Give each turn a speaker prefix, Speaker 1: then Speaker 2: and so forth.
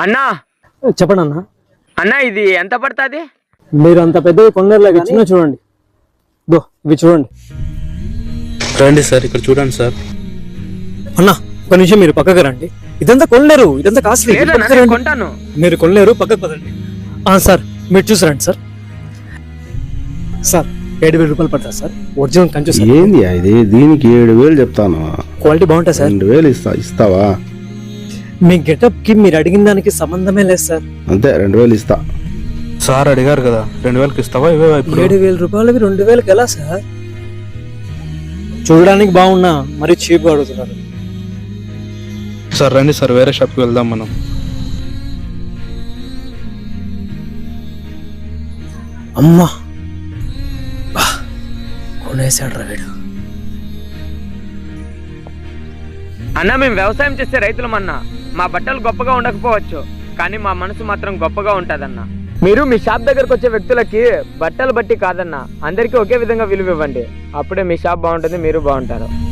Speaker 1: అన్నా
Speaker 2: చెప్పండి అన్న.
Speaker 1: అన్నా ఇది ఎంత పడుతుంది?
Speaker 2: మీరు అంత పెద్దవి కొనలేరులాగా చిన్న చూడండి. దో ఇవి చూడండి.
Speaker 3: రండి సార్, ఇక్కడ చూడండి సార్.
Speaker 2: అన్న ఒక నిమిషం మీరు పక్కకు రండి. ఇదంతా కొనలేరు, ఇదంతా కాస్ట్లీ.
Speaker 1: లేదన్నా, నేను కొంటాను.
Speaker 2: మీరు కొనలేరు, పక్కకు పదండి. సార్ మీరు చూసారండి సార్. సార్ 7,000 రూపాయలు పడతా సార్. ఒరిజినల్ కంచు సార్.
Speaker 4: ఏంది ఇది? దీనికి 7,000 చెప్తాను.
Speaker 2: క్వాలిటీ బాగుంటుంది సార్.
Speaker 4: 2,000 ఇస్తావా?
Speaker 2: మీ గెటప్ కి మీరు అడిగిన దానికి సంబంధమే లేదు సార్.
Speaker 4: అంతే, 2,000 ఇస్తా.
Speaker 3: సార్ అడిగారు కదా, 2,000కి ఇస్తావా? ఇవే ఇప్పుడు
Speaker 2: 7,000 రూపాయలవి 2,000కి ఎలా సార్? చూడడానికి బాగున్నా మరి చీప్ గా అడుగుతున్నారు.
Speaker 3: సార్ రండి సార్, వేరే షాప్కి వెళ్దాం మనం.
Speaker 2: అమ్మా కొనేసాడు రా వీడు.
Speaker 1: అన్నా మేము వ్యవసాయం చేసే రైతులమన్నా. మా బట్టలు గొప్పగా ఉండకపోవచ్చు, కానీ మా మనసు మాత్రం గొప్పగా ఉంటుందన్నా. మీరు మీ షాప్ దగ్గరకు వచ్చే వ్యక్తులకి బట్టలు బట్టి కాదన్నా, అందరికీ ఒకే విధంగా విలువ ఇవ్వండి. అప్పుడే మీ షాప్ బాగుంటుంది, మీరు బాగుంటారు.